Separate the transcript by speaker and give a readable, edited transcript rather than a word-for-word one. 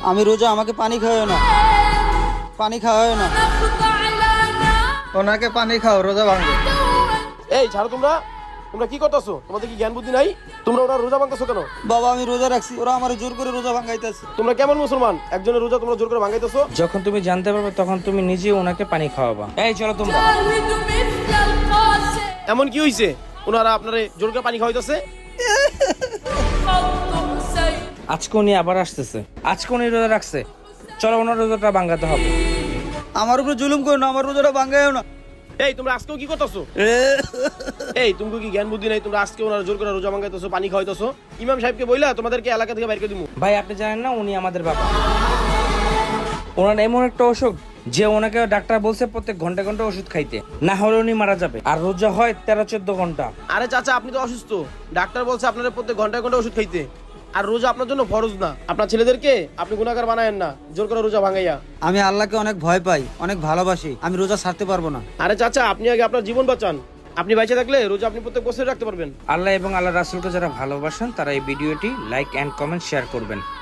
Speaker 1: আমি রোজা, আমাকে পানি খাওয়ায় না, পানি খাওয়ায় না। ওনাকে পানি খাও, রোজা ভাঙবে।
Speaker 2: এই ছাড়ো, তোমরা তোমরা কি করতেছো? তোমাদের কি জ্ঞান বুদ্ধি নাই? তোমরা ওরা রোজা ভাঙতেছো কেন?
Speaker 1: বাবা আমি রোজা রাখছি, ওরা আমার জোর করে রোজা ভাঙাইতেছে।
Speaker 2: তোমরা কেমন মুসলমান? একজনের রোজা তোমরা জোর করে ভাঙাইতেছো?
Speaker 3: যখন তুমি জানতে পারবে তখন তুমি নিজে ওনাকে পানি খাওয়াবা। এই চলো তোমরা।
Speaker 2: এমন কি হইছে ওনারা আপনারে জোর করে পানি খাওয়াইতেছে?
Speaker 3: আজকে উনি আবার আসতেছে, আজকে উনি রোজা রাখছে, চলো ওনার রোজাটা ভাঙাতে হবে।
Speaker 1: আমার উপরে জুলুম করো না, আমার রোজাটা ভাঙায়ও না।
Speaker 2: এই তোমরা আজকেও কি করতেছো? এই তুমি কি জ্ঞান বুদ্ধি নাই? তোমরা আজকে ওনারা জোর করে রোজা ভাঙাইতেছো, পানি খাওয়াইতেছো। ইমাম সাহেবকে বইলা তোমাদেরকে এলাকা থেকে বাইর করে দিমু।
Speaker 3: ভাই আপনি জানেন না উনি আমাদের বাবা। ওনার এমন একটা অসুখ যে ওনাকে ডাক্তার বলছে প্রত্যেক ঘন্টা ঘন্টা ওষুধ খাইতে, না হলে উনি মারা যাবে। আর রোজা হয় 13-14 ঘন্টা।
Speaker 2: আরে চাচা, আপনি তো অসুস্থ, ডাক্তার বলছে আপনারা প্রত্যেক ঘন্টায় ঘন্টা ওষুধ খাইতে। আর রোজা আপনার জন্য ফরজ না। আপনার ছেলেদেরকে আপনি গুনাহগার বানায়েন না জোর করে রোজা ভাঙাইয়া।
Speaker 1: আমি আল্লাহকে অনেক ভয় পাই, অনেক ভালোবাসি, আমি রোজা ছাড়তে পারবো না।
Speaker 2: আরে চাচা, আপনি আগে আপনার জীবন বাঁচান। আপনি বেঁচে থাকলে রোজা আপনি প্রত্যেক বছর রাখতে পারবেন।
Speaker 3: আল্লাহ এবং আল্লাহ রাসূলকে যারা ভালোবাসেন তারা এই ভিডিওটি লাইক এন্ড কমেন্ট শেয়ার করবেন।